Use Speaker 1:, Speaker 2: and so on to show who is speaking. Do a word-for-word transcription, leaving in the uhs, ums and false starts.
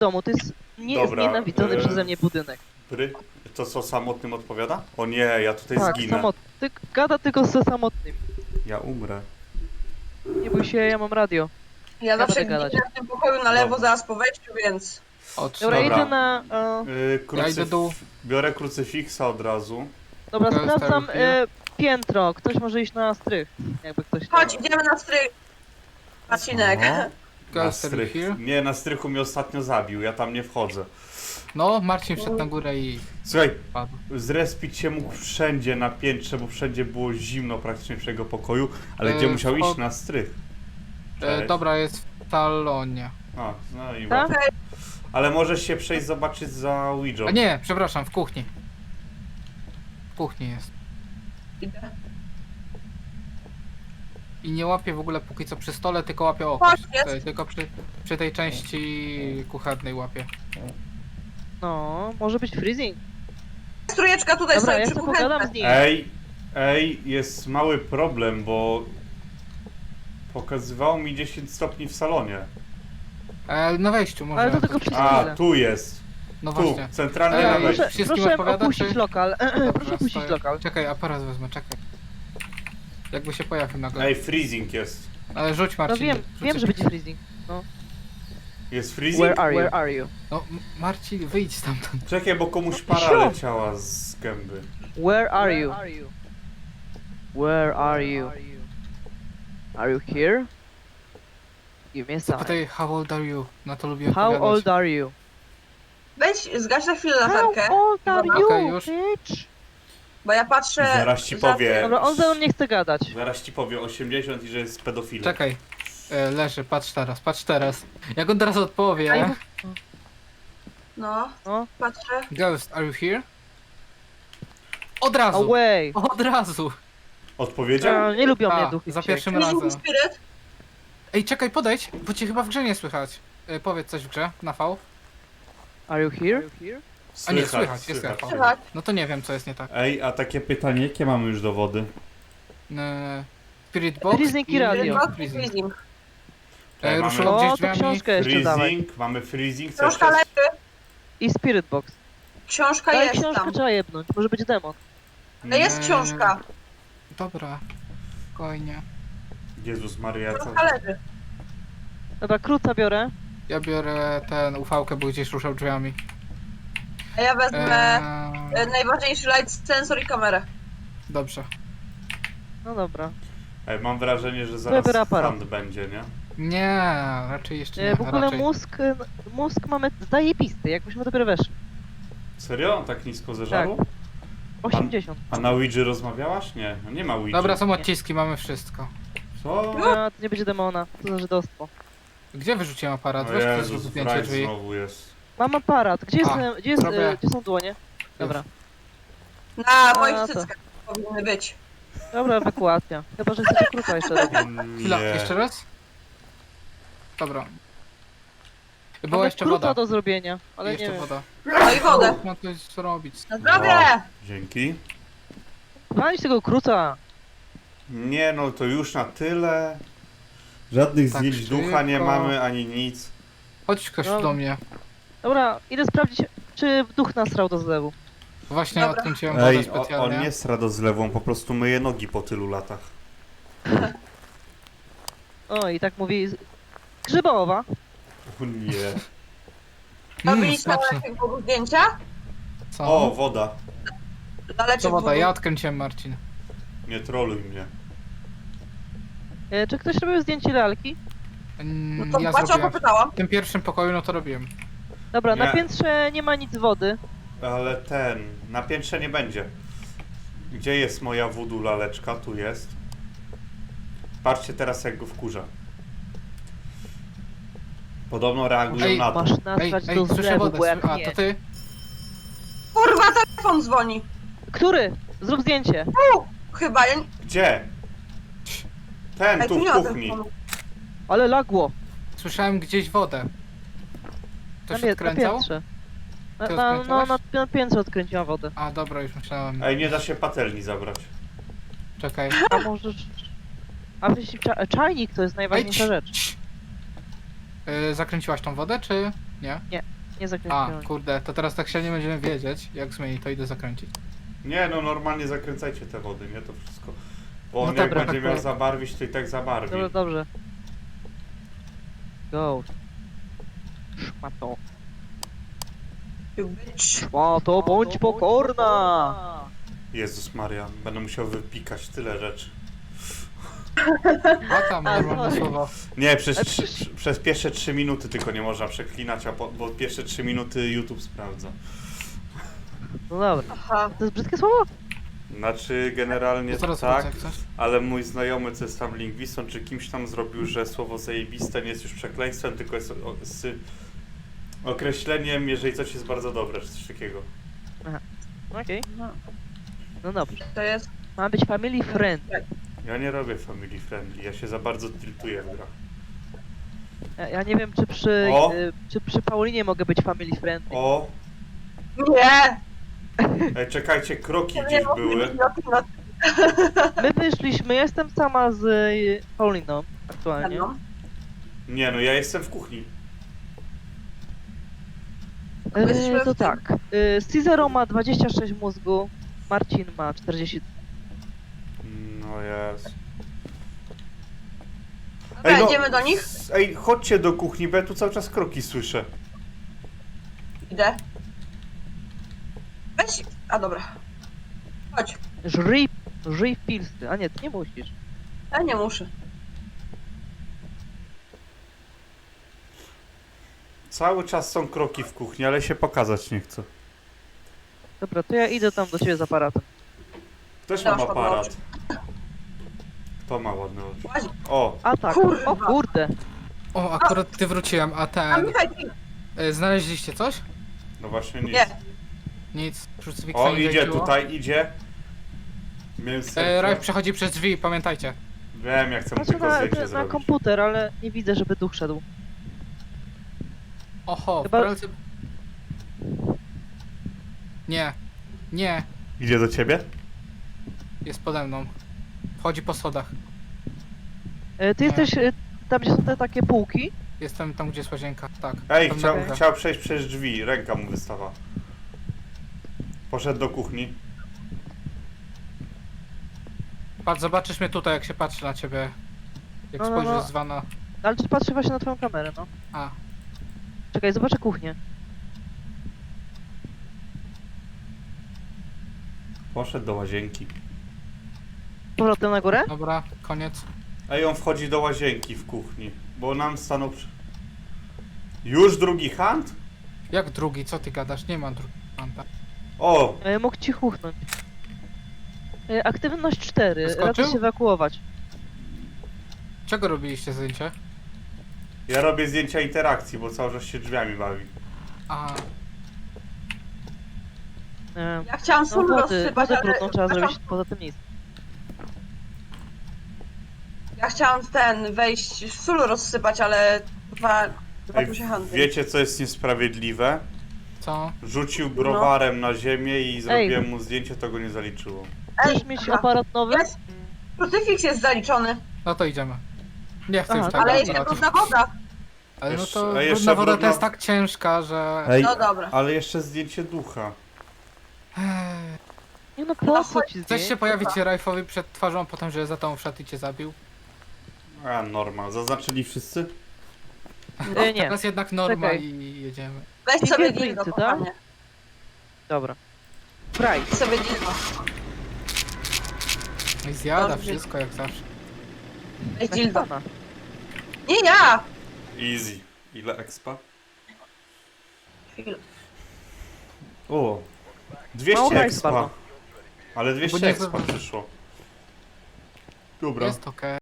Speaker 1: domu, to jest
Speaker 2: Dobra,
Speaker 1: nieznienawidzony
Speaker 2: e,
Speaker 1: przeze mnie budynek.
Speaker 2: Bry? To co, samotnym odpowiada? O nie, ja tutaj
Speaker 1: Tak,
Speaker 2: zginę.
Speaker 1: samotny. Ty gada tylko ze samotnym.
Speaker 2: Ja umrę.
Speaker 1: Nie bój się, ja mam radio.
Speaker 3: Ja
Speaker 1: Ja
Speaker 3: zawsze
Speaker 1: będę
Speaker 3: ginę
Speaker 1: gadać.
Speaker 3: w tym pokoju na lewo,
Speaker 2: Dobra.
Speaker 3: zaraz po wejściu, więc...
Speaker 4: O, trzy.
Speaker 1: Dobra,
Speaker 2: Dobra.
Speaker 1: idę na... E,
Speaker 2: Yy,
Speaker 4: Ja idę
Speaker 2: krucyf...
Speaker 4: dół.
Speaker 2: Biorę krucyfiksa od razu.
Speaker 1: dobra,
Speaker 4: To jest
Speaker 1: sprawdzam
Speaker 4: tak,
Speaker 1: e, piętro. Ktoś może iść na strych. Jakby ktoś...
Speaker 3: Chodź, idziemy na strych. Marcinek.
Speaker 2: O, na
Speaker 4: Guys, are you
Speaker 2: strych.
Speaker 4: here?
Speaker 2: Nie, na strychu mnie ostatnio zabił, ja tam nie wchodzę.
Speaker 4: No, Marcin wszedł na górę i
Speaker 2: Słuchaj,
Speaker 4: padł.
Speaker 2: zrespić się mógł wszędzie na piętrze, bo wszędzie było zimno praktycznie w jego pokoju, ale
Speaker 4: E,
Speaker 2: gdzie musiał
Speaker 4: wchod-
Speaker 2: iść? Na strych.
Speaker 4: E,
Speaker 2: Cześć.
Speaker 4: dobra, jest w salonie.
Speaker 2: A, no i
Speaker 1: Tak?
Speaker 2: łatwo. Ale możesz się przejść zobaczyć za Ouija.
Speaker 4: A nie, przepraszam, w kuchni. W kuchni jest.
Speaker 3: Idę.
Speaker 4: I nie łapie w ogóle póki co przy stole, tylko łapie oko.
Speaker 3: Chodź, jest.
Speaker 4: Tutaj, tylko przy, przy tej części kuchennej łapie.
Speaker 1: No, może być freezing.
Speaker 3: Strójeczka tutaj
Speaker 1: Dobra,
Speaker 3: stoi
Speaker 1: ja
Speaker 3: przy
Speaker 1: sobie pogadam
Speaker 3: kuchence.
Speaker 1: z nim.
Speaker 2: Ej, ej, jest mały problem, bo pokazywało mi dziesięć stopni w salonie.
Speaker 4: E, na wejściu może.
Speaker 1: Ale to tylko przez
Speaker 2: A,
Speaker 1: chwilę.
Speaker 2: tu jest.
Speaker 4: No
Speaker 2: Tu,
Speaker 4: właśnie.
Speaker 2: centralnie
Speaker 4: Ej,
Speaker 2: na
Speaker 1: Proszę,
Speaker 2: wejściu.
Speaker 4: Wszystkim
Speaker 1: proszę
Speaker 4: odpowiada,
Speaker 1: opuścić
Speaker 4: czy-
Speaker 1: lokal.
Speaker 4: Dobra,
Speaker 1: proszę opuścić
Speaker 4: stoję.
Speaker 1: lokal.
Speaker 4: Czekaj, aparat wezmę, czekaj. Jakby się pojawił nagle.
Speaker 2: Ej, freezing jest.
Speaker 4: Ale rzuć
Speaker 1: No
Speaker 4: Marcin.
Speaker 1: wiem,
Speaker 4: rzuć
Speaker 1: wiem,
Speaker 4: coś-
Speaker 1: że będzie freezing.
Speaker 2: Jest freezing?
Speaker 1: Where are you? Where are you?
Speaker 4: No, M- Marcin, wyjdź stamtąd.
Speaker 2: Czekaj, bo komuś para
Speaker 1: Sio.
Speaker 2: leciała z gęby.
Speaker 1: Where are you? Where are you? Are you here? Give me a sign.
Speaker 4: Zapytaj, how old are you? Na to lubię
Speaker 1: How
Speaker 4: odpowiadać.
Speaker 1: old are you?
Speaker 3: Weź, zgaś na chwilę
Speaker 1: How
Speaker 3: latarkę,
Speaker 1: old are
Speaker 3: Dobra.
Speaker 1: you,
Speaker 4: Okej, już.
Speaker 1: bitch?
Speaker 3: bo ja patrzę...
Speaker 2: Zaraz ci
Speaker 3: za-
Speaker 2: powie.
Speaker 1: Dobra, on ze mną nie chce gadać.
Speaker 2: Zaraz ci powie osiemdziesiąt i że jest pedofilem.
Speaker 4: Czekaj. E, leży, patrz teraz, patrz teraz. Jak on teraz odpowie?
Speaker 3: Ej. No,
Speaker 1: No.
Speaker 3: patrzę.
Speaker 4: Ghost, are you here? Od razu!
Speaker 1: Away!
Speaker 4: Od razu!
Speaker 2: Odpowiedział?
Speaker 1: A, nie lubią
Speaker 4: A,
Speaker 1: mnie duchy
Speaker 4: za
Speaker 1: wściekłe.
Speaker 4: pierwszym
Speaker 3: Freezing
Speaker 4: razem.
Speaker 3: Spirit.
Speaker 4: Ej, czekaj, podejdź, bo cię chyba w grze nie słychać. E, powiedz coś w grze, na V.
Speaker 1: Are you here?
Speaker 4: A nie, słychać, jest
Speaker 2: słychać.
Speaker 4: echo.
Speaker 3: Słychać.
Speaker 4: No to nie wiem, co jest nie tak.
Speaker 2: Ej, a takie pytanie, jakie mamy już dowody?
Speaker 4: E, Spirit Box
Speaker 1: Freezing i radio.
Speaker 3: Box i
Speaker 4: Freezing.
Speaker 3: freezing.
Speaker 4: E,
Speaker 2: Mamy-
Speaker 4: ruszyło
Speaker 1: O,
Speaker 4: gdzieś
Speaker 1: to
Speaker 4: drzwiami.
Speaker 1: książkę jeszcze dawaj.
Speaker 2: Freezing, mamy freezing, co
Speaker 3: Książka
Speaker 2: jeszcze?
Speaker 3: leży,
Speaker 1: I Spirit Box.
Speaker 3: książka
Speaker 1: Daj
Speaker 3: jest
Speaker 1: książkę,
Speaker 3: tam.
Speaker 1: trzeba jebnąć. Może być demon.
Speaker 3: No jest
Speaker 4: Eee,
Speaker 3: książka.
Speaker 4: Dobra, spokojnie.
Speaker 2: Jezus Maria, co?
Speaker 3: Książka leży.
Speaker 1: Dobra, króca biorę.
Speaker 4: Ja biorę ten ufałkę, bo gdzieś ruszał drzwiami.
Speaker 3: A ja wezmę
Speaker 4: Eee,
Speaker 3: e, najważniejszy light sensor i kamerę.
Speaker 4: dobrze.
Speaker 1: No dobra.
Speaker 2: Ej, mam wrażenie, że zaraz
Speaker 1: Wybiorę aparat.
Speaker 2: hand będzie, nie?
Speaker 4: Nie, raczej jeszcze nie.
Speaker 1: Nie, w ogóle
Speaker 4: raczej.
Speaker 1: mózg, mózg mamy zajebisty, jakbyśmy dopiero weszli.
Speaker 2: Serio? On tak nisko zeżarł?
Speaker 1: osiemdziesiąt.
Speaker 2: A na Ouija rozmawiałaś? Nie, no nie ma Ouija.
Speaker 4: Dobra, są odciski, mamy wszystko.
Speaker 2: Co?
Speaker 1: A, to nie będzie demona, to za żydostwo.
Speaker 4: Gdzie wyrzuciłem aparat?
Speaker 2: O
Speaker 4: Weź ktoś
Speaker 2: Jezus,
Speaker 4: zrób zdjęcie
Speaker 2: Frajc
Speaker 4: drzwi.
Speaker 2: znowu jest.
Speaker 1: Mam aparat. Gdzie, jest,
Speaker 4: A,
Speaker 1: gdzie, jest,
Speaker 4: zrobię.
Speaker 1: e, gdzie są dłonie? Dobra.
Speaker 3: Na moich
Speaker 1: A, to.
Speaker 3: cyckach powinny być.
Speaker 1: Dobra, ewakuacja. Chyba, że chcecie krótko jeszcze robić.
Speaker 4: Chwila,
Speaker 2: Nie.
Speaker 4: jeszcze raz? Dobra. Była
Speaker 1: Mamy
Speaker 4: jeszcze
Speaker 1: krótko
Speaker 4: woda.
Speaker 1: do zrobienia, ale
Speaker 4: jeszcze
Speaker 1: nie wiem.
Speaker 4: woda.
Speaker 3: No i wodę.
Speaker 4: No to jest zrobić.
Speaker 3: Na zdrowie!
Speaker 2: O, dzięki.
Speaker 1: Walić tego króca.
Speaker 2: Nie no, to już na tyle. Żadnych
Speaker 4: Tak
Speaker 2: zdjęć ducha nie
Speaker 4: szybko.
Speaker 2: mamy, ani nic.
Speaker 4: Chodź ktoś
Speaker 1: No.
Speaker 4: do mnie.
Speaker 1: Dobra, idę sprawdzić, czy duch nasrał do zlewu.
Speaker 4: Właśnie
Speaker 3: Dobra.
Speaker 4: odkręciłem wodę
Speaker 2: Ej, o,
Speaker 4: specjalnie.
Speaker 2: on nie sra do zlewu, on po prostu myje nogi po tylu latach.
Speaker 1: O, i tak mówi... z- Grzybowa.
Speaker 2: O nie.
Speaker 4: Mmm,
Speaker 3: Robiliście
Speaker 4: smaczne.
Speaker 3: laleczek w zdjęcia?
Speaker 4: Co?
Speaker 2: O, woda.
Speaker 3: Laleczek
Speaker 4: Co woda?
Speaker 3: w
Speaker 4: Ja odkręciłem, Marcin.
Speaker 2: Nie troluj mnie.
Speaker 1: E, czy ktoś robił zdjęcie lalki?
Speaker 4: Mm,
Speaker 3: No to
Speaker 4: ja
Speaker 3: patrz, o to
Speaker 4: zrobiłem.
Speaker 3: pytałam.
Speaker 4: W tym pierwszym pokoju no to robiłem.
Speaker 1: Dobra, na
Speaker 2: Nie.
Speaker 1: piętrze nie ma nic wody.
Speaker 2: Ale ten, na piętrze nie będzie. Gdzie jest moja voodoo laleczka? Tu jest. Patrzcie teraz, jak go wkurza. Podobno reagują
Speaker 4: Ej,
Speaker 2: na to.
Speaker 1: Masz
Speaker 4: Ej,
Speaker 1: nasrać
Speaker 4: ej,
Speaker 1: do
Speaker 4: słyszę
Speaker 1: zlewu,
Speaker 4: wodę.
Speaker 1: bo jak
Speaker 4: sły- A,
Speaker 1: nie...
Speaker 4: to ty?
Speaker 3: Kurwa, telefon dzwoni.
Speaker 1: Który? Zrób zdjęcie.
Speaker 3: U, chyba, ja...
Speaker 2: Gdzie? Ten,
Speaker 3: Ej,
Speaker 2: tu
Speaker 3: nie
Speaker 2: w
Speaker 3: ma
Speaker 2: kuchni.
Speaker 3: telefonu.
Speaker 1: Ale lagło.
Speaker 4: Słyszałem gdzieś wodę.
Speaker 1: Na,
Speaker 4: Ktoś
Speaker 1: pie- na
Speaker 4: odkręcał?
Speaker 1: piętrze. Na,
Speaker 4: Ty
Speaker 1: na, no,
Speaker 4: odkręcałeś?
Speaker 1: na, na piętrze odkręciła wodę.
Speaker 4: A, dobra, już myślałem.
Speaker 2: Ej, nie da się patelni zabrać.
Speaker 4: Czekaj.
Speaker 1: A możesz... A jeśli cza czajnik to jest
Speaker 4: Ej,
Speaker 1: najważniejsza
Speaker 4: cii,
Speaker 1: rzecz.
Speaker 4: cii. Yy, zakręciłaś tą wodę, czy... Nie?
Speaker 1: Nie
Speaker 4: A,
Speaker 1: zakręciłem.
Speaker 4: kurde, to teraz tak się nie będziemy wiedzieć. Jak zmieni, to idę zakręcić.
Speaker 2: Nie, no normalnie zakręcajcie te wody, nie? To wszystko. Bo on
Speaker 4: No
Speaker 2: jak
Speaker 4: dobra,
Speaker 2: będzie
Speaker 4: tak
Speaker 2: miał
Speaker 4: powiem.
Speaker 2: zabarwić, to i tak zabarwi.
Speaker 1: Dobrze, dobrze. Go. Szmato.
Speaker 3: You bitch.
Speaker 1: Szmato, bądź pokorna!
Speaker 2: Jezus Maria, będę musiał wypikać tyle rzeczy.
Speaker 4: A tam,
Speaker 1: A,
Speaker 4: normalne
Speaker 1: sorry.
Speaker 4: słowo.
Speaker 2: Nie, przez,
Speaker 1: Ale
Speaker 2: trzy,
Speaker 1: przecież-
Speaker 2: przez pierwsze trzy minuty tylko nie można przeklinać, a po, bo pierwsze trzy minuty YouTube sprawdza.
Speaker 1: No dobra.
Speaker 3: Aha.
Speaker 1: To jest brzydkie słowo?
Speaker 2: Znaczy generalnie
Speaker 4: To zaraz
Speaker 2: tak,
Speaker 4: wrócę, jak coś.
Speaker 2: ale mój znajomy, co jest tam lingwistą, czy kimś tam zrobił, że słowo zajebiste nie jest już przekleństwem, tylko jest o, z określeniem, jeżeli coś jest bardzo dobre, czy coś takiego.
Speaker 1: Okej.
Speaker 3: Aha.
Speaker 1: No dobrze.
Speaker 3: To jest...
Speaker 1: Ma być family friendly.
Speaker 2: Ja nie robię family friendly, ja się za bardzo tiltuję w grach.
Speaker 1: Ja, ja nie wiem, czy przy,
Speaker 2: O!
Speaker 1: y, czy przy Paulinie mogę być family friendly.
Speaker 2: O,
Speaker 3: Nie!
Speaker 2: ej, czekajcie, kroki
Speaker 3: Nie
Speaker 2: gdzieś
Speaker 3: mogę
Speaker 2: były.
Speaker 3: być na tym, na
Speaker 1: My wyszliśmy, jestem sama z y, Pauliną aktualnie.
Speaker 3: tym.
Speaker 2: Nie no, ja jestem w kuchni.
Speaker 3: Jesteśmy
Speaker 1: E, to
Speaker 3: w tym.
Speaker 1: tak. Y, Cizero ma dwadzieścia sześć mózgu, Marcin ma czterdzieści.
Speaker 2: No jest.
Speaker 3: Dobra, idziemy do nich?
Speaker 2: Ej, chodźcie do kuchni, bo ja tu cały czas kroki słyszę.
Speaker 3: Idę. Weź... A dobra. Chodź.
Speaker 1: Żryj, żryj pilsy. A nie, ty nie musisz.
Speaker 3: Ja nie muszę.
Speaker 2: Cały czas są kroki w kuchni, ale się pokazać nie chcę.
Speaker 1: Dobra, to ja idę tam do ciebie z aparatem.
Speaker 2: Ktoś
Speaker 3: Dasz
Speaker 2: ma
Speaker 3: ładne
Speaker 2: aparat.
Speaker 3: oczy.
Speaker 2: Kto ma ładne oczy?
Speaker 3: Łaź.
Speaker 2: O,
Speaker 1: A tak,
Speaker 3: Kurwa.
Speaker 1: o kurde.
Speaker 4: O, akurat ty wróciłem, a
Speaker 3: A
Speaker 4: ten...
Speaker 3: Michał, ty-
Speaker 4: Y, znaleźliście coś?
Speaker 2: no właśnie nic.
Speaker 3: Nie.
Speaker 4: Nic. Krucyfiksa
Speaker 2: O,
Speaker 4: nie
Speaker 2: idzie
Speaker 4: zajęło.
Speaker 2: tutaj, idzie. Miałem
Speaker 4: E,
Speaker 2: serce.
Speaker 4: Ralf przechodzi przez drzwi, pamiętajcie.
Speaker 2: Wiem, jak chcę mu
Speaker 1: Patrzę
Speaker 2: tylko
Speaker 1: na,
Speaker 2: zdjęcie
Speaker 1: na
Speaker 2: zrobić.
Speaker 1: komputer, ale nie widzę, żeby duch szedł.
Speaker 4: Oho,
Speaker 1: Chyba-
Speaker 4: w pralce... Nie. Nie.
Speaker 2: Idzie do ciebie?
Speaker 4: Jest pode mną. Wchodzi po schodach.
Speaker 1: E, ty
Speaker 4: Nie.
Speaker 1: jesteś e, tam, gdzie są te takie półki.
Speaker 4: Jestem tam, gdzie jest łazienka. Tak.
Speaker 2: Ej,
Speaker 4: Tam
Speaker 2: chciał,
Speaker 4: na górze.
Speaker 2: chciał przejść przez drzwi, ręka mu wystawa. Poszedł do kuchni.
Speaker 4: Patrz, zobaczysz mnie tutaj, jak się patrzy na ciebie. Jak
Speaker 1: No, no,
Speaker 4: spojrzysz
Speaker 1: no.
Speaker 4: z wana.
Speaker 1: Ale czy patrzę właśnie na twoją kamerę, no.
Speaker 4: A.
Speaker 1: Czekaj, zobaczę kuchnię.
Speaker 2: Poszedł do łazienki.
Speaker 1: Powrotem na górę?
Speaker 4: Dobra, koniec.
Speaker 2: Ej, on wchodzi do łazienki w kuchni, bo nam stanął przy... Już drugi hunt?
Speaker 4: Jak drugi? Co ty gadasz? Nie ma drugiego fanta.
Speaker 2: O,
Speaker 1: E, mógł ci chuchnąć. E, aktywność cztery.
Speaker 4: Wyskoczył?
Speaker 1: Radzę się ewakuować.
Speaker 4: Czego robiliście zdjęcie?
Speaker 2: ja robię zdjęcia interakcji, bo cały czas się drzwiami bawi.
Speaker 4: A,
Speaker 1: E,
Speaker 3: Ja chciałam
Speaker 1: no
Speaker 3: sól
Speaker 1: wody,
Speaker 3: rozsypać,
Speaker 1: wodę
Speaker 3: ale...
Speaker 1: brudną trzeba
Speaker 3: Przepraszam,
Speaker 1: zrobić, poza tym nic.
Speaker 3: Ja chciałam ten wejść, sól rozsypać, ale chyba... Chyba
Speaker 2: Ej,
Speaker 3: tu się handli.
Speaker 2: wiecie co jest niesprawiedliwe?
Speaker 4: co?
Speaker 2: Rzucił browarem na ziemię i zrobiłem mu zdjęcie, to go nie zaliczyło.
Speaker 1: Chcesz mieć
Speaker 3: aha.
Speaker 1: aparat nowy?
Speaker 3: Jest. Krucyfiks jest zaliczony,
Speaker 4: No to idziemy. Nie chcę
Speaker 1: Aha,
Speaker 4: już tego
Speaker 3: ale jeszcze
Speaker 4: aparatu.
Speaker 3: brudna woda.
Speaker 4: Ale no
Speaker 2: Jeszcze-
Speaker 4: to
Speaker 2: a jeszcze
Speaker 4: brudna woda to
Speaker 2: brudna-
Speaker 4: jest tak ciężka, że...
Speaker 2: Ej,
Speaker 3: No dobra.
Speaker 2: ale jeszcze zdjęcie ducha.
Speaker 4: Ech.
Speaker 1: Nie no, po co ci
Speaker 4: Chcesz
Speaker 1: zdjęcie?
Speaker 4: się pojawić Rajfowi przed twarzą, potem, że za tą wszedł i cię zabił?
Speaker 2: A, normal. Zaznaczyli wszyscy?
Speaker 1: E, nie,
Speaker 4: Teraz jednak norma
Speaker 1: Czekaj.
Speaker 4: i jedziemy.
Speaker 3: Weź
Speaker 1: I
Speaker 3: sobie
Speaker 1: Fingerprintsy,
Speaker 3: dildo,
Speaker 1: tak?
Speaker 3: kochanie.
Speaker 1: dobra. Pride.
Speaker 3: Weź sobie dildo.
Speaker 4: No i zjada
Speaker 3: Dobrze.
Speaker 4: wszystko jak zawsze.
Speaker 3: Weź dildo.
Speaker 1: Naśpana.
Speaker 3: Nie ja!
Speaker 2: Easy. Ile expa?
Speaker 3: Chwilę.
Speaker 2: O,
Speaker 1: Mało
Speaker 2: dwieście
Speaker 1: hajsu
Speaker 2: expa.
Speaker 1: bardzo.
Speaker 2: Ale dwieście
Speaker 4: nie
Speaker 2: expa
Speaker 4: zobacz-
Speaker 2: przyszło. Dobra.
Speaker 4: Jest okej.